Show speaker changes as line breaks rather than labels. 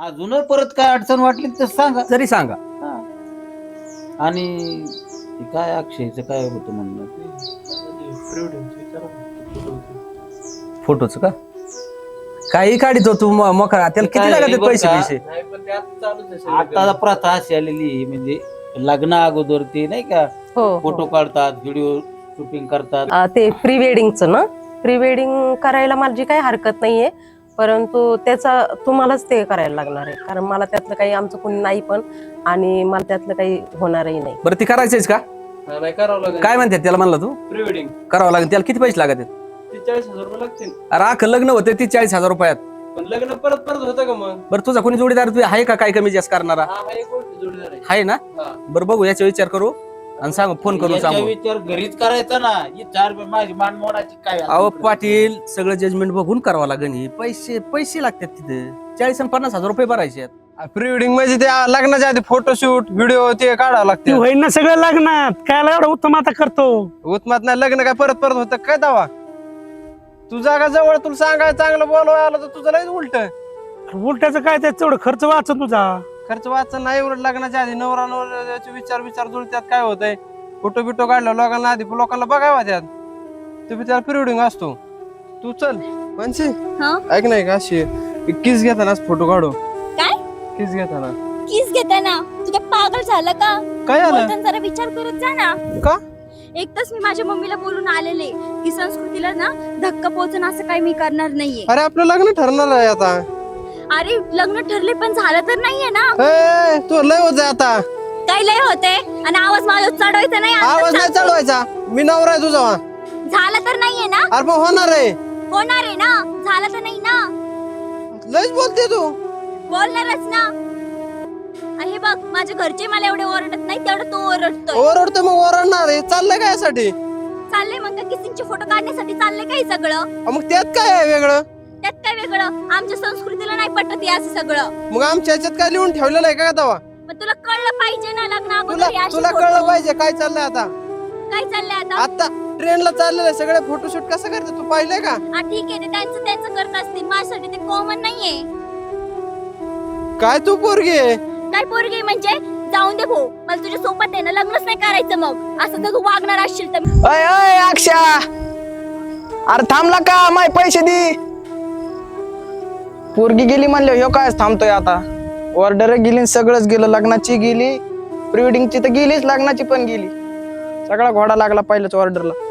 अजून परत काय अडचण वाटली तर सांगा.
जरी सांगा.
हा. आणि ते काय अक्षयचं काय होतं म्हणणं?
फोटोच का काही काढितो तू मोकळा त्याला
ते काय
किती लागतात
बरं
पैसे
का?
पैसे
नाही पण ते आता चालूच आहे
आता प्रथा अशी आलेली आहे, म्हणजे लग्न अगोदर ते नाही का
हो
फोटो काढतात, व्हिडिओ शूटिंग करतात.
ते प्री वेडिंगचं ना, प्री वेडिंग करायला माझी काही हरकत नाहीये, परंतु त्याचा तुम्हालाच ते करायला लागणार आहे, कारण मला त्यातलं काही आमचं कोणी नाही पण, आणि मला त्यातलं काही होणारही नाही.
बरं ती करायचंच का?
हा, नाही करावं लागेल.
काय म्हणतात त्याला म्हणला तू?
प्री वेडिंग
करावं लागेल. त्याला किती पैसे लागतात?
40,000 रुपये लागतील.
अरे अख्खं लग्न होते 40,000 रुपयात.
पण लग्न परत परत होतं का मग?
बरं तुझा कोणी जोडीदार तू आहे का काय कमी जास्त करणारा?
हा एक गोष्ट जोडीदार आहे.
आहे ना?
हा.
बरं बघू याचा विचार करू आणि सांगू, फोन करून
याच्या
सांगू.
विचार घरीच करायचा ना. ही 4 माझी मान मोडायची काय
अहो पाटील सगळं जजमेंट बघून करावं लागेल. ही पैसे लागतात तिथे 40 आणि 50,000 रुपये भरायचे.
प्री वेडिंग म्हणजे ते लग्नाच्या आधी फोटोशूट व्हिडिओ ते काढावं
ती
लागते.
होईल ना सगळं लग्नात, काय एवढं उत्तम आता करतो.
उत्मात नाही लग्न काय परत परत होतं काय दावा? तू जागा जवळ तुला सांगाय चांगलं बोलवाय आलं तर तुझं लयच उलट.
उलट्याचं काय त्यात तेवढं खर्च वाचत तुझा.
खर्च वाचन नाही उलट लग्नाच्या आधी नवरा नवऱ्याचे विचार जुळत्यात काय होतंय. फोटो बिटो काढला लोकांना आधी लोकांना बघावा त्यात. ते बी त्याला प्री वेडिंग असतो. तू चल मानसी ऐक नाही का अशी किस घेताना फोटो काढू.
काय
किस घेताना
किस घेताना तू काय पागल झालं का?
काय आलं
बोलताना जरा विचार करत जा ना.
का?
एक तास मी माझ्या मम्मीला बोलून आलेले की संस्कृतीला ना धक्का पोहोचणं असं काही मी करणार नाहीये.
अरे आपलं लग्न ठरणार आहे आता.
अरे लग्न ठरले पण झालं तर नाहीये ना.
ए, तू लय होत आता.
काय लय होते आणि आवाज माझा चढवायचा नाही. आता
आवाज नाही
सांगतो.
चढवायचा. मी नवरा आहे तुझा.
झालं तर नाहीये ना.
अरे पण होणार आहे.
होणार आहे ना. झालं तर नाही ना.
लयच बोलते तू.
बोलणारच ना. हे बघ माझ्या घरचे मला एवढे ओरडत नाही तेवढं तो ओरडतोय.
ओरडतो मग ओरडणार आहे. चाललंय काय यासाठी?
चाललंय मग किसिंगचे फोटो काढण्यासाठी चाललंय काय सगळं.
मग त्यात काय आहे वेगळं?
त्यात काय वेगळं? आमच्या संस्कृतीला नाही पटत हे असं सगळं.
मग आमच्या ह्याच्यात काय लिहून ठेवलेलं आहे का दावा?
पण तुला कळलं पाहिजे ना लग्न अगोदर
तुला
हे असे
तुला
photo.
कळलं पाहिजे काय चाललंय आता.
काय चाललंय आता?
आता ट्रेनला चाललेलं आहे सगळे फोटोशूट कसं करते तू पाहिलंय का?
हा ठीक आहे ते त्यांचं करत असतील. माझ्यासाठी ते कॉमन नाहीये.
काय तू पोरगी आहे?
काय पोरगी म्हणजे जाऊन दे भाऊ. मला तुझ्या सोबत आहे ना लग्नच नाही करायचं. मग असं जर तू वागणार असशील तर.
अय अय अक्षा, अरे थांबला का? माय पैसे दे. पोरगी गेली म्हणले ह्यो काय थांबतोय आता? ऑर्डर गेली सगळंच गेलं. लग्नाची गेली, प्री वेडिंगची तर गेलीच, लग्नाची पण गेली. सगळा घोडा लागला पहिल्याच ऑर्डरला.